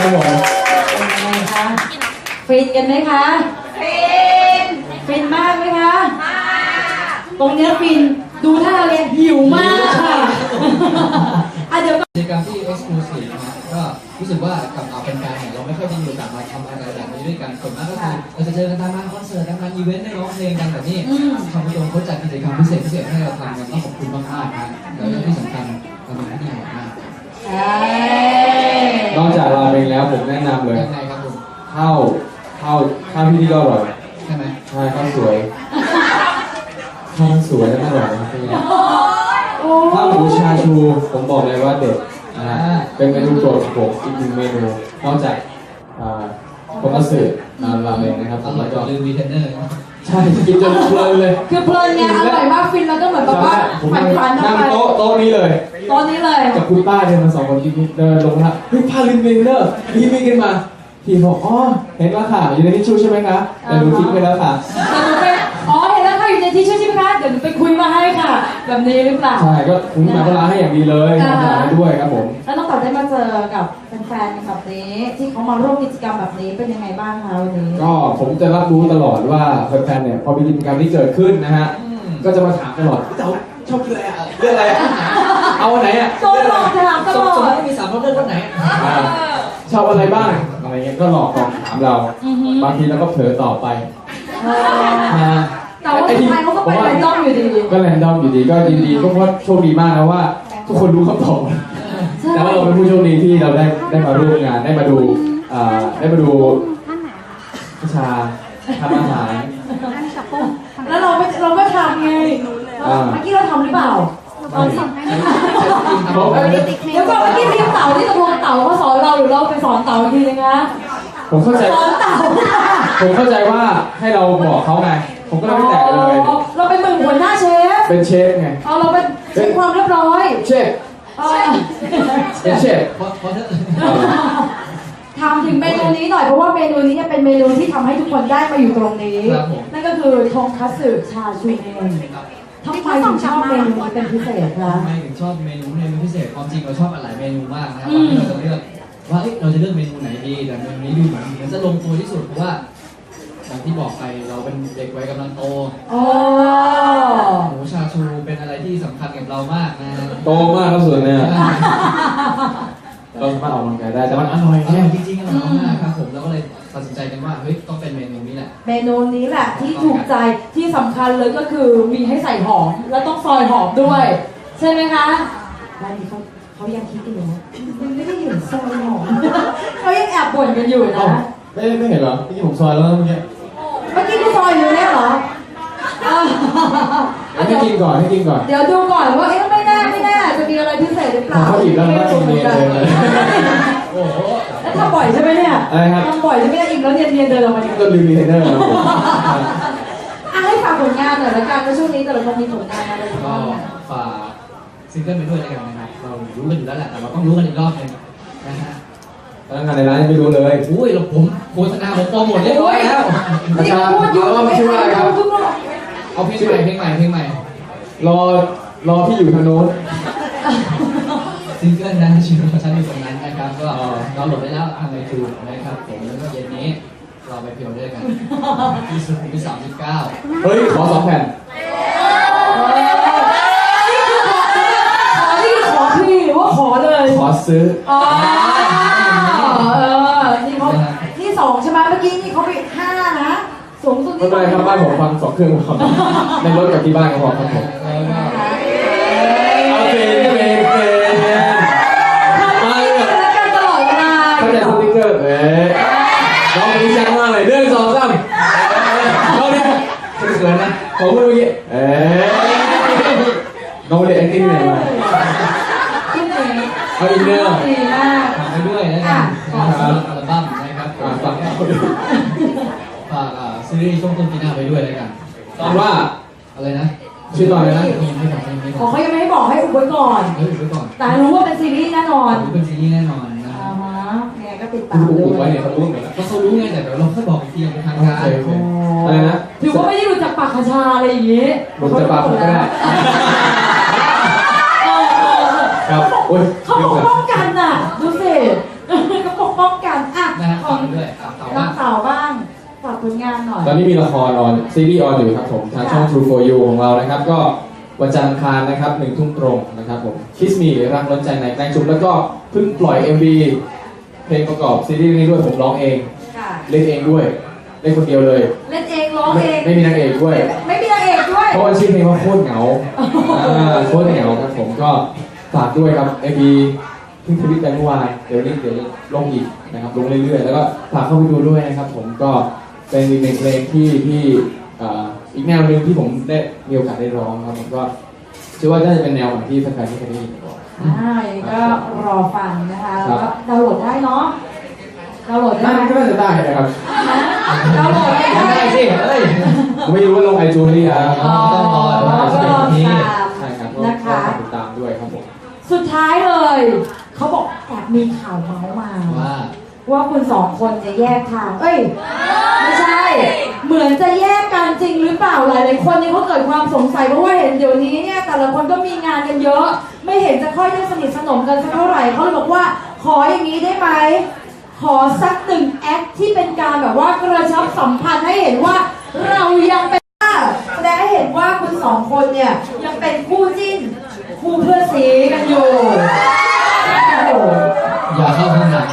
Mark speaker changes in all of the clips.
Speaker 1: ครับผม
Speaker 2: เป็นยังไงคะฟินกันไหมคะฟินมากไหมคะตรงเนี้ยฟินดูท่าเรียนหิวมากค่ะเดี๋ยว
Speaker 3: กิจกรรมที่ exclusive นะก็รู้สึกว่ากับเป็นการเนี่ยเราไม่ค่อยได้มีโอกาสมาทำอะไรแบบนี้ด้วยกันส่วนมากก็คือเราจะเจอกันตามงานคอนเสิร์ตตามงานอีเวนต์ได้ร้องเพลงกันแบบนี้ทางผู้ชมเขาจัดกิจกรรมพิเศษให้เราทำกันต้องขอบคุณมากๆนะแล้วก็ที่สำคัญเราเป็นที่ดีมาก
Speaker 1: นอกจากราเมงแล้วผมแนะนำเลย
Speaker 3: ยังไงครับคุณ
Speaker 1: ข้าวที่นี่ก็อร่อย
Speaker 3: ใช่ไหม
Speaker 1: ใช่ข้าวสวยข้าวสวยและอร่อยนะครับข้าวหมูชาชูผมบอกเลยว่าเด็ดนะฮะเป็นเมนูโปรดของผมอีกหนึ่งเมนูนอกจากโทมัสสึราเมงนะครับ
Speaker 3: อร่อยกว่าลืมวีเทนเนอร์
Speaker 1: ใช่กินจนเพลินเลย
Speaker 2: คือเพลินไงอร่อยมากฟินแล้วก็เหมือนแบบว่าฝัน
Speaker 1: นั่งโต๊ะนี้เลยกับคุณป้าเดินมา2 คนเดินลงมาเฮ้ยพาลินเมเนอร์พี่วิ่งขึ้นมาพี่บอกอ๋อเห็นแล้วค่ะอยู่ในทิชชู่ใช่ไหมคะแต่ดูทิ้งไปแล้วค่ะ
Speaker 2: เห็นแล้วค่ะอยู่ในทิชชู่ใช่ไหมคะเดี๋ยวหนูไปคุยมาให้ค่ะแบบนี้หรือเปล่า
Speaker 1: ใช่ก็คุณมาก็ล้างให้อย่างดีเลยทำงานด้วยครับผม
Speaker 2: แล้วน้องต่อได้มาเจอกับแฟนๆแบบนี้ที่เขามาร่วมกิจกรรมแบบนี้เป็นยังไงบ้างคะวันนี้
Speaker 1: ก็ผมจะรับรู้ตลอดว่าแฟนๆเนี่ยพอมีกิจกรรมที่เกิดขึ้นนะฮะก็จะมาถามตลอดพี่เต๋าชอบกินอะไรอ่ะเรื่องอะไรเอาไหนอ่ะ
Speaker 2: โดนหลอกถามตลอด
Speaker 3: ไม่มีสามรสเลือกรสไหน
Speaker 1: ชอบอะไรบ้างอะไรเงี้ยก็หลอกถามเราบางทีเราก็เผลอตอบไป
Speaker 2: แต่ว่าสุดท้ายเขาก็ไปแรนดอมอยู่ดี
Speaker 1: ก็แรนดอมอยู่ดีก็ยินดีก็เพราะโชคดีมากนะว่าทุกคนรู้คำตอบแต่ว่าเราเป็นผู้โชคดีที่เราได้มาร่วมงานได้มาดูวิชาทำอาหาร
Speaker 2: แล้วเราไม่ทำไงเมื่อกี้เราทำหรือเปล่าเดี๋ยวก่อนเมื่อกี้ทีมเต่าที่ตกลงเต่าเขาสอนเราหรือเราไปสอนเต่าอีกทีนึงนะ
Speaker 1: ผมเข้าใจ
Speaker 2: สอนเต่า
Speaker 1: ผมเข้าใจว่าให้เราบอกเขาไงผมก็เลยไม่แตะเลย
Speaker 2: เราเป็นมือหัวหน้าเชฟ
Speaker 1: เป็นเชฟไง
Speaker 2: เราเป็นเชฟความเรียบร้อย
Speaker 1: เชฟเป็นเชฟ
Speaker 2: ถามถึงเมนูนี้หน่อยเพราะว่าเมนูนี้เป็นเมนูที่ทำให้ทุกคนได้มาอยู่ตรงนี้นั่นก็คือทงคัตสึชาชูเองทำไมถึงชอบเมนูนี้เป็นพิเศษคะ
Speaker 3: ทำไมถึงชอบเมนูพิเศษความจริงเราชอบหลายเมนูมากนะครับเราจะเลือกว่าเราจะเลือกเมนูไหนดีแต่เมนูนี้ดูเหมือนจะลงตัวที่สุดเพราะว่าอย่างที่บอกไปเราเป็นเด็กวัยกำลังโตหมูชาชูเป็นอะไรที่สำคัญกับเรามากนะ
Speaker 1: โตมากครับส่วนเนี่ยเราสามารถออกกำลังกายได้แต่มันอร่อย
Speaker 3: จริงๆอร่อยมากครับผมแล้วก็เลยตัดสินใจกันว่าเฮ้ยต้องเป็นเมนูนี้แหละ
Speaker 2: เมนูนี้แหละที่ถูกใจที่สำคัญเลยก็คือมีให้ใส่หอมแล้วต้องซอยหอมด้วยใช่ไหมคะร้านนี้เขายังคิดอยู่นะมันไม่ได้เห็นซอยหอมเขายังแอบบ่นกันอยู่นะ
Speaker 1: ไม่เห็นเหรอเมื่อกี้ผมซอยแล้วเมื่อกี้
Speaker 2: ที่ซอยอยู่เนี่ยเหรอ
Speaker 1: ให้กินก่อน
Speaker 2: เดี๋ยวดูก่อนว่าไม่แน่จะมีอะไรพิเศษหรือเปล่า
Speaker 1: เขาอีกแล้วนะกินเนียนเลย
Speaker 3: โอ้โห
Speaker 2: แล้วทำบ่อยใช่ไหมเนี่ยทำบ่อยใช่ไหมอิ่มแล้วเนียนเดินออกมา
Speaker 1: ก็รีวิวเทรนเนอร์ครับผม
Speaker 2: ให้ฝากผลงานหน่อยละกันว่าช่วงนี้แต่ละคนมีผลงานอะไรบ้าง
Speaker 3: ฝากซิงเกิลไปด้วยแล้วกันนะครับเรารู้กันอยู่แล้วแหละแต่เราต้องรู้กันอีกรอบนึงนะฮะ
Speaker 1: พนักงานในร้านยังไม่รู้เลย
Speaker 3: อุ้ยผมโฆษณาผมโปรโมทเรียบร้อยแล้ว
Speaker 2: นี่พูดอยู่
Speaker 1: ไม่ช่วยอะไรครับ
Speaker 3: เอาเพลงใหม่
Speaker 1: รอพี่อยู่ทางโน้น
Speaker 3: ซิงเกิลนะชื่อของฉันอยู่ตรงนั้นนะครับก็เราโหลดได้แล้วทางไอจูนนะครับผมแล้วก็เย็นนี้เราไปเพียวด้วยกันที่สุดที่39
Speaker 1: เฮ้ยขอ2 แผ่น
Speaker 2: นี่คือขอพี่หรือว่าขอเลย
Speaker 1: ขอซื้อ
Speaker 2: นี่2ใช่ไหมเมื่อกี้นี่เขาไป5นะสูงสุด
Speaker 1: ไม่เป็นไรครับบ้านผมฟัง2 เครื่องครับในรถกับที่บ้านก็พอครับผมเอาเพลง
Speaker 2: มาเลยแล้วกันตลอดเวลา
Speaker 1: เขาจะสติ๊กเกอร์น้องมีชังมากเลย1 2 3น้องเนี่ยเขินนะผมพูดเมื่อกี้น้องเด็กแอคติ้งไหนมาเอาอินเนอร์
Speaker 2: ดีมาก
Speaker 3: ทำไปด้วยนะครับอัลบั้มนะครับฝากซีรีส์ช่วงต้นปีหน้าไปด้วยเลยกัน
Speaker 1: ตอนว่า
Speaker 3: อะไรนะ
Speaker 1: ชื่อตอนอะไรนะ
Speaker 2: เขายังไม่ให้บอกให้อุบไว้ก่อนแต่รู้ว่าเป็นซีรีส์แน่นอน
Speaker 3: รู้เป็นซีรีส์แน่นอนนะ
Speaker 2: เนี่ยก็ติดตาม
Speaker 1: ด้วยไว้เนี่ยเขารู้เหมือน
Speaker 3: ก็เขารู้ไงแต่เดี๋ยวเราค่อยบอกอีกทีเป็นทางการ
Speaker 1: อะไรนะ
Speaker 2: ถือว่าไม่ได้รู้จักปากคาชาอะไรอย่างงี้
Speaker 1: รู้จักปากผมก็ได้ครับ
Speaker 2: เขาปกป้องกันน่ะดูสิเขาปกป้องกัน
Speaker 3: ด้วยเต่า
Speaker 2: น้องเต่าบ้างฝากผลงานหน่อย
Speaker 1: ตอนนี้มีละครออนซีรีส์ออนอยู่ครับผมทางช่อง True for You ของเรานะครับ ก็วันจันทร์อังคารนะครับ1 ทุ่มตรงนะครับผม Kiss Me รักล้นใจในแกล้งชุบแล้วก็เพิ่งปล่อย MV เพลงประกอบซีรีส์นี้ด้วยผมร้องเอง
Speaker 2: ค่ะ
Speaker 1: เล่นเองด้วยเล่นคนเดียวเลย
Speaker 2: เล่นเองร้องเอง
Speaker 1: ไม่มีนางเอกด้วย
Speaker 2: ไม่มีนางเอกด้วย
Speaker 1: เพราะว่าชื่อเพลงว่าโคตรเหงาโคตรเหงาครับผมก็ฝากด้วยครับ MV เพิ่งทวิตไปเมื่อวานเดี๋ยวลงอีกนะครับลงเรื่อยๆแล้วก็ฝากเข้าไปดูด้วยนะครับผมก็เป็นอีกหนึ่งเพลงที่อีกแนวหนึ่งที่ผมได้มีโอกาสได้ร้องครับผมก็เชื่อว่าน่าจะเป็นแนวของที่แฟนๆที่เคยได้ยินก่อน
Speaker 2: อย่างนี้ก็รอฟังนะคะ
Speaker 1: ครั
Speaker 2: แล้ว
Speaker 1: บ
Speaker 2: ก็ดาวน์โหลดได้เนาะดาวน์โหลดได้
Speaker 1: น่า
Speaker 2: ไหม
Speaker 1: ก็น่าจะได้นะครับ
Speaker 2: ดาวน์โหลดได้
Speaker 3: ได้สิเอ้ย
Speaker 1: ผมไม่รู้ว่าลงไอจูนหรือยัง
Speaker 2: อ๋อก็รอตาม
Speaker 1: ใช่ครับก็
Speaker 2: นะคะ
Speaker 1: ฝากติดตามด้วยครับผม
Speaker 2: สุดท้ายเลย เขาบอกแอบมีข่าวเมาส์มา
Speaker 3: ว่า
Speaker 2: ว่าคุณสองคนจะแยกทาง เอ้ย ไม่ใช่ เหมือนจะแยกกันจริงหรือเปล่าหลายๆคนนี่เขาเกิดความสงสัยเพราะว่าเห็นเดี๋ยวนี้เนี่ยแต่ละคนก็มีงานกันเยอะ ไม่เห็นจะค่อยได้สนิทสนมกันสักเท่าไหร่เขาเลยบอกว่าขออย่างนี้ได้ไหม ขอสัก1 แอคที่เป็นการแบบว่ากระชับสัมพันธ์ให้เห็นว่าเรายังเป็นแสดงให้เห็นว่าคุณสองคนเนี่ยยังเป็นคู่จิ้นคู่เพื่อนสีกันอยู่โอ้โห
Speaker 3: อย่าเข้าข้างหลัง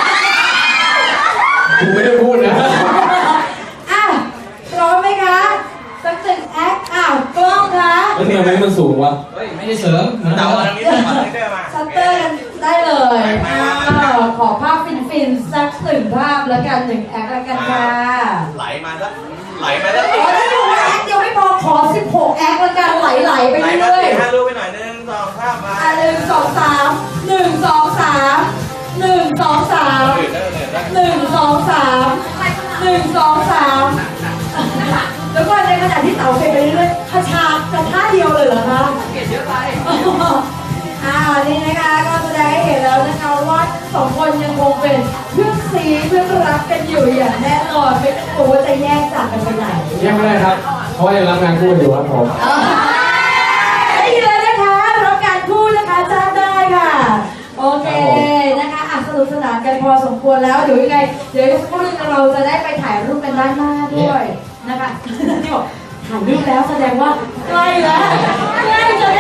Speaker 1: ผมไม่ได้พูดนะ
Speaker 2: อ่ะพร้อมไหมคะสัก1 แอคกล้องคะ
Speaker 1: แล้วทำไมมันสูงวะ
Speaker 3: เฮ้ยไม่ได้เสริม
Speaker 4: เต่าอันนี้ต้องมาเรื่อยๆมา
Speaker 2: ชัตเตอร์กันได้เลยขอภาพฟินๆสัก1 ภาพแล้วกัน1 แอคแล้วกันค่ะ
Speaker 4: ไหลมาแล้วไหลมาแล้ว
Speaker 2: อ๋อถ้าดูว่าแอคเดียวไม่พอขอ16 แอคแล้วกันไหลๆไป
Speaker 4: ไหลมา
Speaker 2: เรื่อย
Speaker 4: 4-5ลูกไปหน่อยนึง2 3มา
Speaker 2: 1 2 3 1 2 3 1 2 3 1 2 3 1 2 3แล้วก็ในขณะที่เต๋าเฟไปเรื่อยๆคาชาจะท่าเดียวเลยเหรอคะเปลี่ยนเยอะไปนี่นะคะก็แสดงให้เห็นแล้วนะคะว่าสองคนยังคงเป็นเพื่อนซีเพื่อนรักกันอยู่อย่างแน่นอนไม่ต้องกลัวว่าจะแยกจากกันไปไหน
Speaker 1: ยังไม่ได้ครับ เพราะว่ายังรับงานคู่อยู่ครับผม
Speaker 2: ได้ยินเลยนะคะรับการพูดนะคะจ้างได้ค่ะโอเคนะคะสนุกสนานกันพอสมควรแล้วเดี๋ยวยังไงเดี๋ยวสักครู่นึงเราจะได้ไปถ่ายรูปกันด้านหน้าด้วยนะคะที่บอกถ่ายรูปแล้วแสดงว่าใกล้แล้วใกล้จะ